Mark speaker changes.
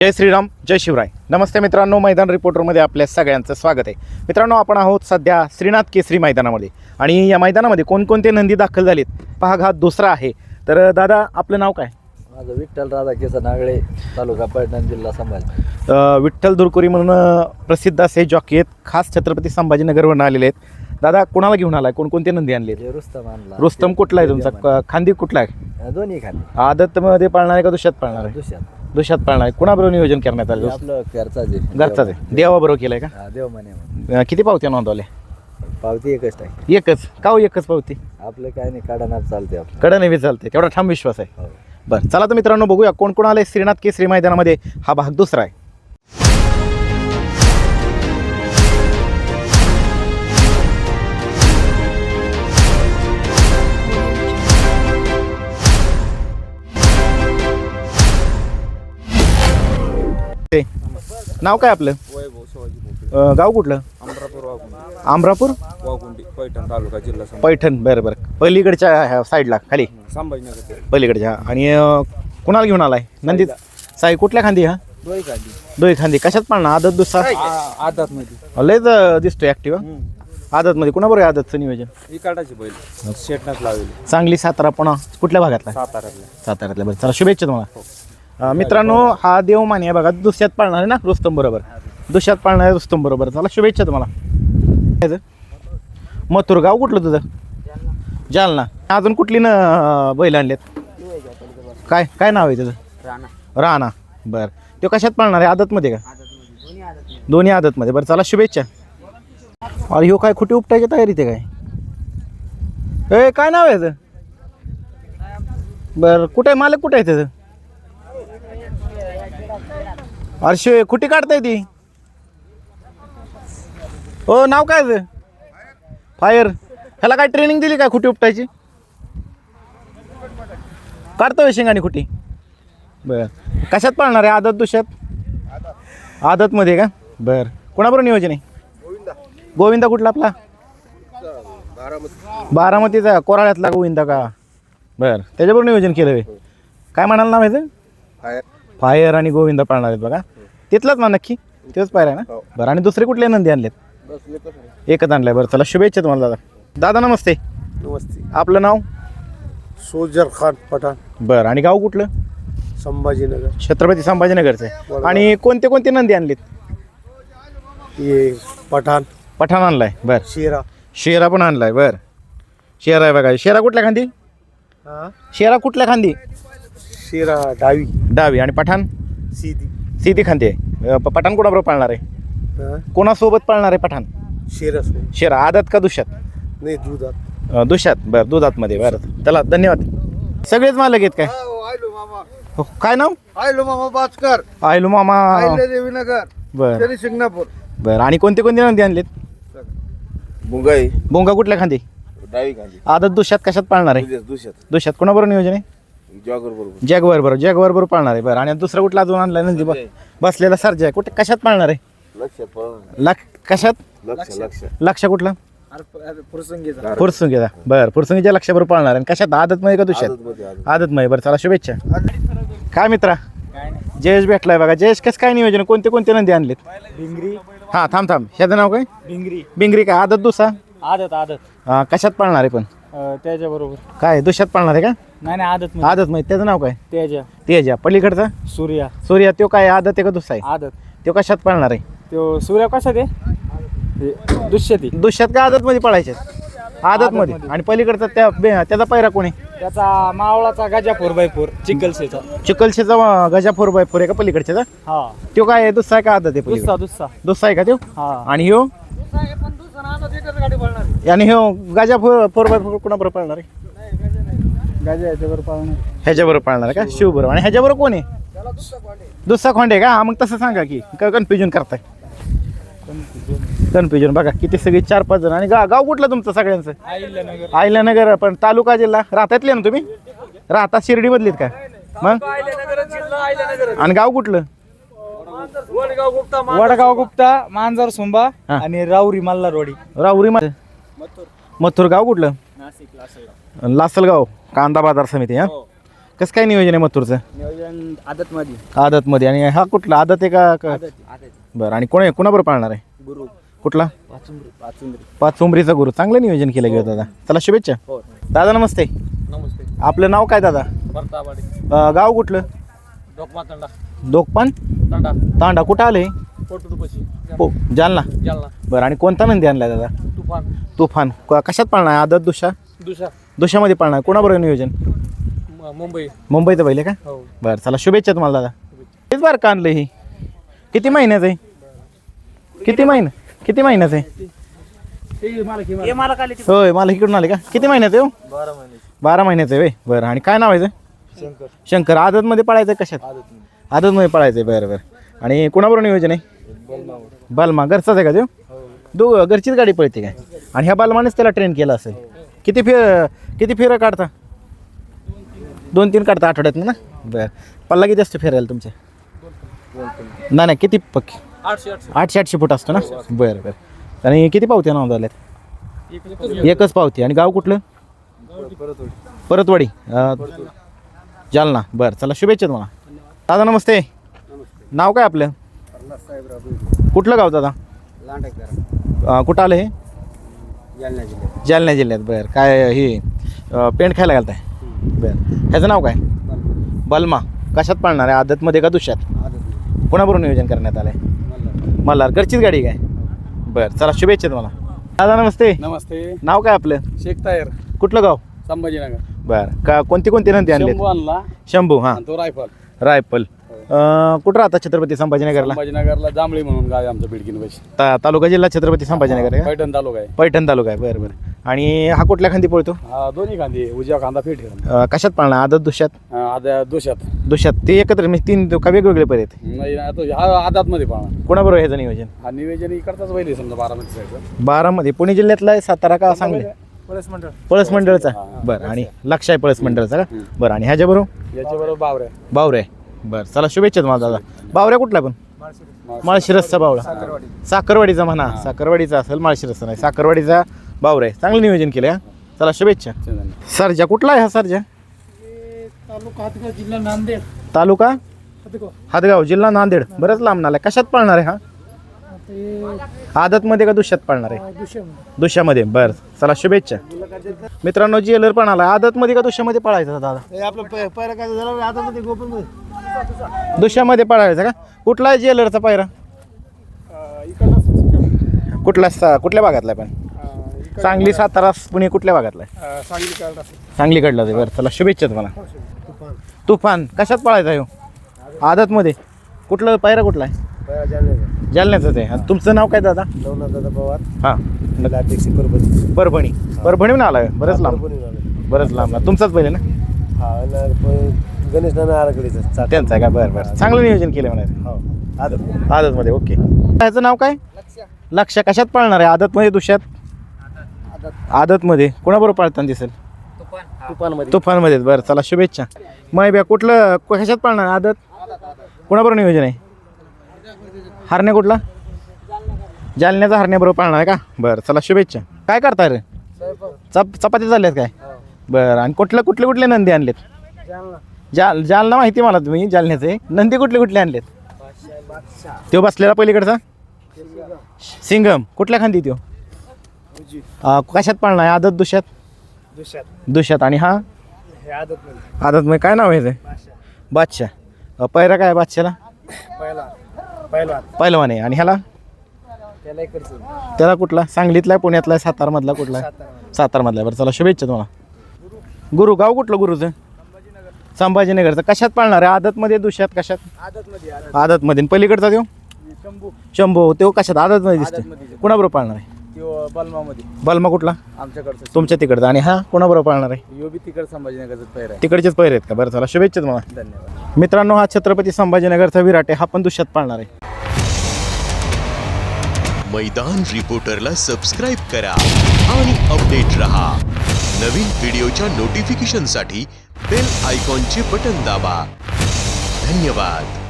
Speaker 1: जय श्रीराम, जय शिवराय. नमस्ते मित्रांनो, मैदान रिपोर्टरमध्ये आपल्या सगळ्यांचं स्वागत आहे. मित्रांनो, आपण आहोत सध्या श्रीनाथ केसरी मैदानामध्ये आणि या मैदानामध्ये कोणकोणते नंदी दाखल झालेत भाग हा दुसरा आहे. तर दादा, आपलं नाव काय?
Speaker 2: माझं विठ्ठल राधा केस नागळे, तालुका पैठण, जिल्हा संभाजी.
Speaker 1: विठ्ठल दुरकुरी म्हणून प्रसिद्ध असे जॉकी आहेत, खास छत्रपती संभाजीनगरवरून आलेले आहेत. दादा, कोणाला घेऊन आलाय? कोणकोणते नंदी आणले?
Speaker 2: रुस्तम आणला.
Speaker 1: रुस्तम कुठला आहे तुमचा? खांदी कुठला आहे?
Speaker 2: दोन्ही खाली.
Speaker 1: आदतमध्ये पाळणार आहे का दुष्यात पाळणार आहे? दुष्यात पाळणार आहे. कुणाबरोबर नियोजन करण्यात आलं?
Speaker 2: आपलं घरचाच आहे.
Speaker 1: घरचाच आहे. देवाबरोबर केलंय का?
Speaker 2: देव म्हणे.
Speaker 1: किती पावत्या नोंदवल्या?
Speaker 2: पावती एकच टाकी.
Speaker 1: एकच का हो? एकच पावती?
Speaker 2: आपलं काय नाही, काढणार चालते आपलं.
Speaker 1: कडं नेहमी चालते, तेवढा ठाम विश्वास आहे.
Speaker 2: हो.
Speaker 1: बरं, चला तर मित्रांनो, बघूया कोण कोण आले श्रीनाथ केसरी मैदानामध्ये. हा भाग दुसरा आहे. नाव काय आपलं? गाव कुठलं? अमरापूर
Speaker 3: पैठण तालुका, जिल्हा
Speaker 1: पैठण. बरं बरं, पलीकडच्या साईडला खाली
Speaker 3: संभाजीनगर.
Speaker 1: पलीकडच्या. आणि कुणाला घेऊन आलाय? नंदी साई कुठल्या खांदी? हा, दोही खांदी. कशात पाळणार? आदत दुसरा
Speaker 3: आदत मध्ये
Speaker 1: लयच दिसतोय ऍक्टिव्ह. आदत मध्ये कुणाबरोबर आहे आदतचं नियोजन?
Speaker 3: इकाडाची बैल शेटनाच लावली.
Speaker 1: सांगली, सातारा, पुणा कुठल्या भागातला? साताऱ्यातल्या. बरं, चला शुभेच्छा तुम्हाला. मित्रांनो, हा देवमानी आहे बघा, दुसऱ्यात पाळणार आहे ना रुस्तम बरोबर. दुसऱ्यात पाळणार आहे रुस्तम बरोबर. चला शुभेच्छा तुम्हाला. मथुर, गाव कुठलं तुझं? जालना. अजून कुठली ना बैल आणलेत? काय काय नाव आहे त्याचं? राणा. बरं, तो कशात पाळणार आहे? आदतमध्ये का? दोन्ही आदतमध्ये. बरं, चला शुभेच्छा. अरे ह्यो काय खुटी उपटायची तयारी ते काय? काय नाव आहे त्याचं? बरं, कुठे आहे मालक? कुठे आहे त्याचं? अरे कुठे काढताय ती? हो, नाव काय आहे? फायर. ह्याला काय ट्रेनिंग दिली काय खुटी उपटायची? काढतोय शेंगाणी खुटी. बर, कशात पाळणार आहे? आदत दुष्यात? आदतमध्ये का? बर, कोणाबरोबर नियोजन आहे? गोविंदा कुठला आपला? बारामतीचा, कोराळ्यातला गोविंदा का? बर, त्याच्याबरोबर नियोजन केलं आहे. काय म्हणाल नाव आहे? फायर आणि गोविंदा पाळणार आहेत बघा. तिथलाच ना नक्की? तेच पाहिजे ना? बरं, आणि दुसरे कुठले नंदी आणलेत? एकच आणलाय. बरं, चला शुभेच्छा तुम्हाला दादा. दादा नमस्ते.
Speaker 4: नमस्ते.
Speaker 1: आपलं नाव?
Speaker 4: सोल्जर खान पठाण,
Speaker 1: बरं, आणि गाव कुठलं?
Speaker 4: संभाजीनगर.
Speaker 1: छत्रपती संभाजीनगरचं आहे. आणि कोणते कोणते नंदी आणलेत?
Speaker 4: ये पठाण,
Speaker 1: पठाण आणलाय. बरं,
Speaker 4: शेरा.
Speaker 1: शेरा पण आणलाय. बरं, शेरा आहे बघा. शेरा कुठल्या खांदी? शेरा कुठल्या खांदी?
Speaker 4: शेरा डावी.
Speaker 1: डावी. आणि पठाण?
Speaker 4: सीधी.
Speaker 1: सीधी खांदी आहे. पठाण कोणाबरोबर पाळणार आहे? कोणासोबत पाळणार आहे पठाण?
Speaker 4: शेरा सो.
Speaker 1: शेरा आदत का दुष्यात?
Speaker 4: नाही, दुधात.
Speaker 1: दुष्यात. बरं, दुधातमध्ये. बरं, चला धन्यवाद. सगळेच मालक आहेत काय?
Speaker 4: आयलो मामा.
Speaker 1: हो, काय नाव?
Speaker 4: आयलो मामा बाचकर.
Speaker 1: आयलू मामा.
Speaker 4: देवीनगर.
Speaker 1: बरं
Speaker 4: शिंगणापूर.
Speaker 1: बरं, आणि कोणते कोणते नंदी आणलेत?
Speaker 4: मुंगाई.
Speaker 1: बोंगा कुठल्या खांदी?
Speaker 4: डावी खाली.
Speaker 1: आदत दुष्यात कशात पाळणार आहे?
Speaker 4: दुष्यात.
Speaker 1: दुष्यात कोणाबरोबर नियोजन आहे?
Speaker 4: जॉगर बरोबर.
Speaker 1: जॅगवर बरोबर. जॅगवर बरोबर पाळणार आहे. बरं, आणि दुसरा कुठला अजून आणलाय नंदी? बसलेला सर्जा आहे. कुठे कशात पाळणार आहे? कशात? लक्ष कुठलं? फुरसुंगीचा. बरं, फुरसुंगीच्या लक्षाबरोबर पाळणार आहे. कशात? आदतमध्ये का दुष्यात? आदतमध्ये. बरं, चला शुभेच्छा. काय मित्रा, जयेश भेटलाय बघा. जयेश, कसं काय नियोजन? कोणते कोणते नंदी आणलेत?
Speaker 2: भिंगरी.
Speaker 1: हां, थांब. ह्याचं नाव काय?
Speaker 2: भिंगरी.
Speaker 1: बिंगरी का? आदत दुसरा?
Speaker 2: आदत.
Speaker 1: कशात पाळणार आहे पण?
Speaker 2: त्याच्याबरोबर.
Speaker 1: काय दुष्यात पाळणार आहे का?
Speaker 2: नाही, आदत.
Speaker 1: आदतमध्ये. त्याचं नाव काय?
Speaker 2: त्याच्या
Speaker 1: पलीकडचा?
Speaker 2: सूर्या.
Speaker 1: सूर्या. तो काय आदत आहे का दुसरा आहे?
Speaker 2: आदत.
Speaker 1: तो कशात पाळणार आहे?
Speaker 2: तो सूर्या कसा ते दुष्यती.
Speaker 1: दुष्यात का आदतमध्ये पळायचे? आदतमध्ये. आणि पलीकडचा त्याचा पैरा कोणी?
Speaker 2: त्याचा मावळाचा गजापूर बायपूर चिखलसेचा.
Speaker 1: चिखलशेचा गजा 4x4 आहे का पलीकडच्याचा?
Speaker 2: हा.
Speaker 1: तो काय आहे? दुसरा आहे का आदत आहे? पलीकडे दुसरा आहे का तो?
Speaker 2: हा.
Speaker 1: आणि ह्यो? आणि ह्यो गजा 4x4 कुणाबरोबर पाळणार आहे?
Speaker 2: गजा याच्यावर पाळणार.
Speaker 1: ह्याच्याबरोबर पाळणार आहे का? शिव बरोबर. आणि ह्याच्याबरोबर कोण आहे? दुसरा खोंडे का? मग तसं सांगा की कन्फ्युजन करताय. कन्फ्युजन बघा किती, सगळी 4-5 जण. आणि गाव कुठलं तुमचं सगळ्यांचं? आहिल्यानगर. पण तालुका जिल्हा राहतातले ना तुम्ही? राहता शिर्डी मधलीत का मग? आणि गाव कुठलं?
Speaker 2: वडगाव गुप्ता, मांजर सुंबा आणि राऊरी मल्हारवाडी.
Speaker 1: राहुरी. मथुर. गाव कुठलं? लासलगाव. कांदा बाजार समिती. हा, कसं काय नियोजन आहे मथुरचं?
Speaker 3: नियोजन आदतमध्ये.
Speaker 1: आदतमध्ये. आणि हा कुठला आदत आहे का? बरं. आणि कोणाबरोबर पाळणार आहे?
Speaker 3: गुरु
Speaker 1: कुठला?
Speaker 3: पाचुंद्री.
Speaker 1: पाच उमरीचा गुरु. चांगलं नियोजन केलं गेलं दादा. चला शुभेच्छा.
Speaker 3: हो.
Speaker 1: दादा नमस्ते.
Speaker 3: नमस्ते.
Speaker 1: आपलं नाव काय दादा?
Speaker 3: भरतावाडी.
Speaker 1: गाव कुठलं?
Speaker 3: डोकमा तंडा.
Speaker 1: दोकपान
Speaker 3: तंडा.
Speaker 1: तांडा कुठं आले?
Speaker 3: पोटुपशी.
Speaker 1: जालना.
Speaker 3: जालना.
Speaker 1: बरं. आणि कोणता नंदी आणलाय दादा?
Speaker 3: तुफान.
Speaker 1: तुफान. कशात पाळणार आहे? आदत दुशा?
Speaker 3: दुसरा.
Speaker 1: दुशामध्ये पाळणार आहे. कोणाबरोबर नियोजन?
Speaker 3: मुंबई.
Speaker 1: मुंबईचं पहिले का?
Speaker 3: हो.
Speaker 1: बरं. चला शुभेच्छा तुम्हाला दादा. तेच बार का आणलं ही? किती महिन्याचं आहे? किती महिन्याचं आहे? होय. मला इकडून आले का? किती महिन्याचं आहे?
Speaker 3: 12 महिने.
Speaker 1: 12 महिन्याचं आहे. बरं. आणि काय नाव आहे?
Speaker 3: शंकर.
Speaker 1: शंकर. आदतमध्ये पळायचं आहे? कशात? आदतमध्ये पळायचं आहे. बरं बरं. आणि कोणाबरोबर नियोजन आहे? बलमा. घरचाच आहे का तो? घरचीच गाडी पळते काय? आणि ह्या बलमानेच त्याला ट्रेन केला असेल. किती फेरं काढता? 2-3 काढता आठवड्यात ना? बरं. पल्ला किती असतो फेरायला तुमच्या? नाही किती पक्की? 800 फूट असतो ना? बरं बरं. आणि किती पावत्या नाव झाल्यात? एकच पावती. आणि गाव कुठलं? परतवाडी. जालना. बरं. चला शुभेच्छा तुम्हाला. दादा नमस्ते. नाव काय आपलं? कुठलं गाव दादा? कुठं आलं हे? जालना जिल्ह्यात. बरं. काय हे पेंट खायला घालताय? बरं. ह्याचं नाव काय? बलमा. कशात पाळणार आहे? आदतमध्ये का दुष्यात? कोणाबरोबर नियोजन करण्यात आलं आहे? मल्हार. घरचीच गाडी काय? बरं. चला शुभेच्छा तुम्हाला. दादा नमस्ते.
Speaker 3: नमस्ते.
Speaker 1: नाव काय आपलं?
Speaker 3: शेख तायर.
Speaker 1: कुठलं गाव?
Speaker 3: संभाजीनगर.
Speaker 1: बरं. का कोणती नंदी आणली?
Speaker 3: आणला.
Speaker 1: शंभू. हां.
Speaker 3: तो रायफल.
Speaker 1: रायफल. कुठं राहता? छत्रपती संभाजीनगरला.
Speaker 3: संभाजीनगरला जांभळी म्हणून गाव आहे आमचं बिडकीन पैसे.
Speaker 1: तालुका जिल्हा छत्रपती संभाजीनगर आहे का?
Speaker 3: पैठण तालुका आहे.
Speaker 1: पैठण तालुका आहे. बरं बरं. आणि हा कुठल्या खांदी पळतो?
Speaker 3: हा दोन्ही खांदी. उजव्या खांदा फिट
Speaker 1: कशात पाळणार? आदत दुष्यात?
Speaker 3: आद्या दोषात.
Speaker 1: दुष्यात. ते एकत्र म्हणजे 3 का वेगवेगळे पर्यंत?
Speaker 3: नाही आता हा आदात मध्ये पाहणार.
Speaker 1: कोणाबरोबर ह्याचं नियोजन?
Speaker 3: हा निवेदन इकडचाच पहिले समजा 12 साईडचा.
Speaker 1: 12 पुणे जिल्ह्यातला आहे? सातारा का सांगली?
Speaker 3: पळस मंडळ.
Speaker 1: पळस मंडळचा. बरं. आणि लक्ष आहे पळस मंडळचा का? बरं. आणि ह्याच्याबरोबर?
Speaker 3: याच्याबरोबर बावऱ्या.
Speaker 1: बावरे. बरं. चला शुभेच्छा तुम्हाला दादा. बावऱ्या कुठला पण? माळशिरसचा बावळा. साखरवाडीचा म्हणा. साखरवाडीचा असेल, माळशिरसचा नाही. साखरवाडीचा बावरे. चांगलं नियोजन केलं हा. चला शुभेच्छा. सरजा कुठला आहे हा? सरजा
Speaker 3: तालुका हातगाव जिल्हा नांदेड.
Speaker 1: तालुका हातगाव जिल्हा नांदेड. बरंच लांब नाला. कशात पाळणार आहे हा? आदतमध्ये का दुष्यात पाळणार आहे? दुष्यामध्ये. बरं. चला शुभेच्छा. मित्रांनो ज्वेलर पण आला. आदतमध्ये का दुष्यामध्ये पळायचा दादा? दुष्यामध्ये पळायचा का? कुठला आहे ज्वेलरचा पायरा? कुठल्या भागातला आहे पण? सांगली, सातारा, पुणे कुठल्या भागातला आहे? सांगलीकडला आहे. बरं. चला शुभेच्छा तुम्हाला. तुफान. कशात पळायचा आहे? आदतमध्ये. कुठलं पायरा कुठला आहे? जालन्याचंच आहे. तुमचं नाव काय दादा?
Speaker 2: दादा पवार.
Speaker 1: हां. परभणी. परभणीहून आला आहे. बरंच लांब. तुमचाच पहिले ना?
Speaker 2: गणेश नाना आराखडीचा
Speaker 1: त्यांचा आहे का? बरं बरं. चांगलं नियोजन केलं म्हणायचं. आदतमध्ये. ओके. ह्याचं नाव काय? लक्ष. कशात पाळणार आहे? आदतमध्ये दुष्यात? आदतमध्ये. कोणाबरोबर पाळताना दिसेल? तुफानमध्ये. बरं. चला शुभेच्छा. मग कुठलं कशात पाळणार? आदत. कोणाबरोबर नियोजन आहे? हरण्या कुठला? जालन्याचा हरण्याबरोबर पाळणार आहे का? बरं. चला शुभेच्छा. काय करताय रे? चपाती झाल्यात काय? बरं. आणि कुठले नंदी आणलेत? जालना माहिती मला तुम्ही जालन्याचे. नंदी कुठले आणलेत? तो बसलेला पलीकडचा सिंगम. कुठल्या खांदी तो? कशात पाळणार आहे? आदत दुष्यात. आणि हा? आदतमध्ये. काय नाव आहे? बादशाह. पैरा काय बादशाला? पहिलवान आहे. आणि ह्याला? त्याला कुठला? सांगलीतला आहे, पुण्यातला आहे, सातारमधला कुठला आहे? सातारमधला. बरं. चला शुभेच्छा तुम्हाला. गुरु. गाव कुठलं गुरुचं? संभाजीनगरचं. कशात पाळणार आहे? आदतमध्ये दुष्यात? कशात? आदतमध्ये. पलीकडचा देव? शंभू. तो कशात? आदतमध्ये दिसतो. कोणाबरोबर पाळणार आहे? बलमा कुठला?
Speaker 3: आमच्याकडचं.
Speaker 1: तुमच्या तिकडचा. आणि हा कोणाबरोबर पाळणार आहे?
Speaker 3: यो बी तिकड संभाजीनगरचा पैर आहे.
Speaker 1: तिकडचेच पैर आहेत का? बरं. चला शुभेच्छा तुम्हाला.
Speaker 3: धन्यवाद.
Speaker 1: मित्रांनो हा छत्रपती संभाजीनगरचा विराट आहे. हा पण दुष्यात पाळणार आहे.
Speaker 5: मैदान रिपोर्टरला सबस्क्राइब करा आणि अपडेट रहा. नवीन व्हिडिओच्या नोटिफिकेशनसाठी बेल आयकॉनचे बटन दाबा. धन्यवाद.